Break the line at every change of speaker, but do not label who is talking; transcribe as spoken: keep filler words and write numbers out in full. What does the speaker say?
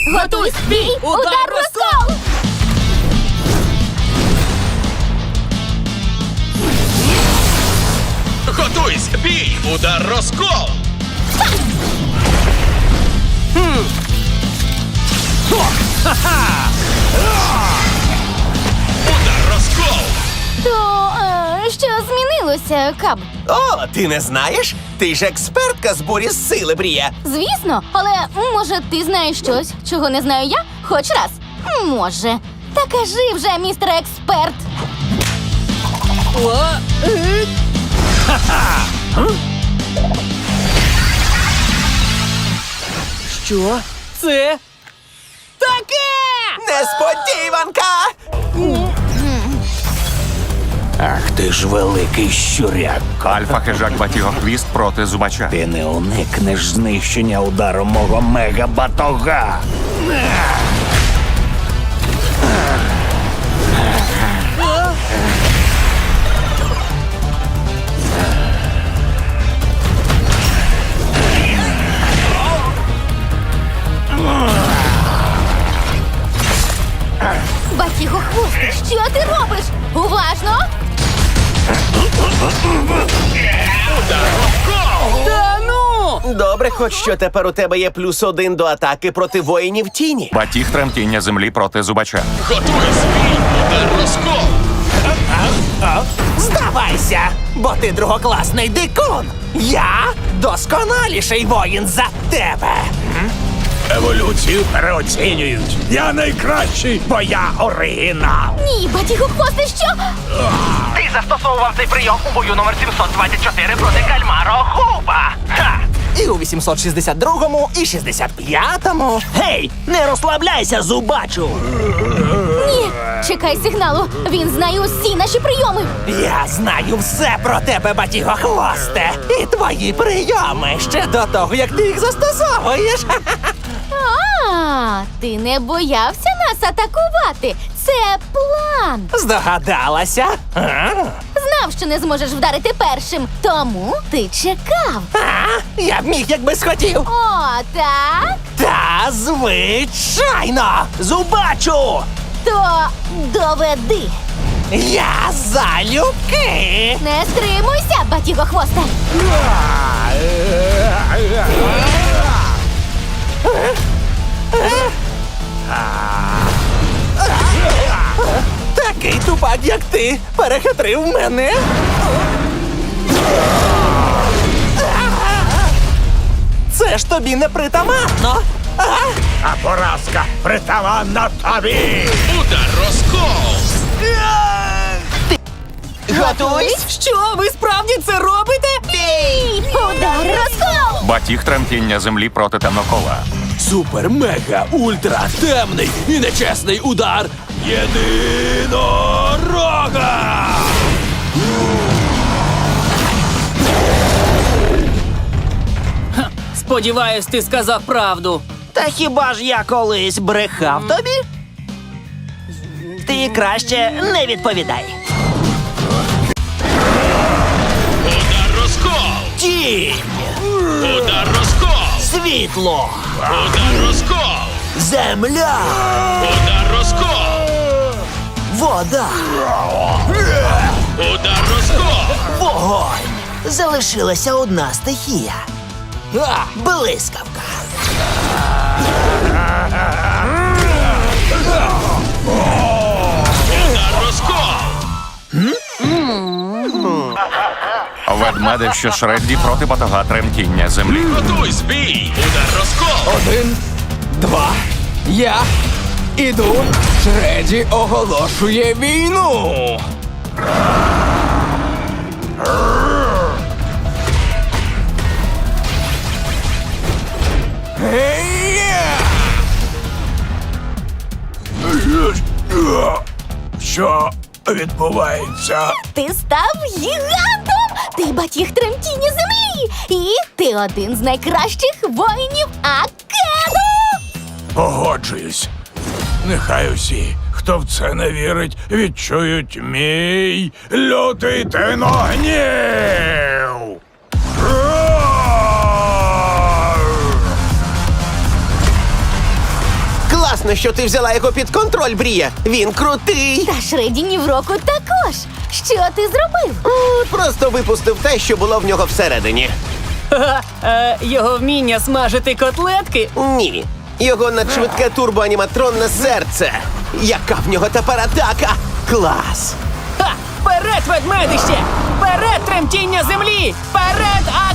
Готуйсь! Бій! Удар розкол!
Готуйсь! Бій! Удар розкол! Удар розкол!
То е, що змінилося, Каб?
О, ти не знаєш? Ти ж експертка з бурі з сили, Брія.
Звісно, але може ти знаєш щось, чого не знаю я? Хоч раз. Може. Та кажи вже, містер експерт.
Що це таке?
Несподіванка!
Ах ти ж великий щуряк.
Альфа-хижак Батігохвіст проти Зубача.
Ти не уникнеш знищення ударом мого мега-батога.
Батігохвосте, що ти робиш? Уважно!
Удар розкол!
Та ну!
Добре, хоч що тепер у тебе є плюс один до атаки проти воїнів тіні.
Батіг тремтіння землі проти Зубача.
Готуйсь! Бій! Удар розкол!
Здавайся, бо ти другокласний дикун. Я досконаліший воїн за тебе.
Еволюцію переоцінюють. Я найкращий, бо я оригінал.
Ні, батігохвосте, що?
Ти застосовував цей прийом у бою номер сімсот двадцять чотири проти кальмаро Хуба. Ха!
І у вісімсот шістдесят другому, і шістдесят п'ятому.
Гей, не розслабляйся, Зубачу!
Ні, чекай сигналу. Він знає усі наші прийоми.
Я знаю все про тебе, батігохвосте. І твої прийоми ще до того, як ти їх застосовуєш.
А, ти не боявся нас атакувати. Це план.
Здогадалася? А?
Знав, що не зможеш вдарити першим, тому ти чекав.
А? Я б міг, якби схотів.
О, так?
Та звичайно!
Зубачу!
То доведи.
Я залюбки!
Не стримуйся, батігохвосте.
Такий тупак, як ти, перехитрив мене. Це ж тобі не притаманно. А?
А поразка притаманна тобі.
Удар розкол!
Готуйсь!
Що, ви справді це робите?
Бій! Удар розкол!
Батіг тремтіння землі проти темнокола.
Супер, мега, ультра, темний і нечесний удар єдинорога! Ха, сподіваюсь, ти сказав правду.
Та хіба ж я колись брехав тобі? Ти краще не відповідай.
Удар розкол!
Тінь!
Удар розкол!
Світло!
Удар розкол!
Земля!
Удар розкол!
Вода!
Удар розкол!
Вогонь! Залишилася одна стихія. А, блискавка!
Удар розкол!
Ведмедик, що Шредді проти батога тремтіння землі.
Готуйсь! Бій! Удар розкол!
Один, два, я іду. Шреді оголошує війну.
Що відбувається?
Ти став гігантом! Ти батіг тремтіння землі! І ти один з найкращих воїнів Акеду!
Погоджуюсь. Нехай усі, хто в це не вірить, відчують мій лютий тиногнів.
Класно, що ти взяла його під контроль, Брія. Він крутий.
Та Шреді ні в року також. Що ти зробив?
М, Просто випустив те, що було в нього всередині.
Ха, е, його вміння смажити котлетки?
Ні. Його надшвидке турбоаніматронне серце. Яка в нього тепер атака? Клас!
Ха! Вперед, ведмедище! Вперед, тремтіння землі! Вперед,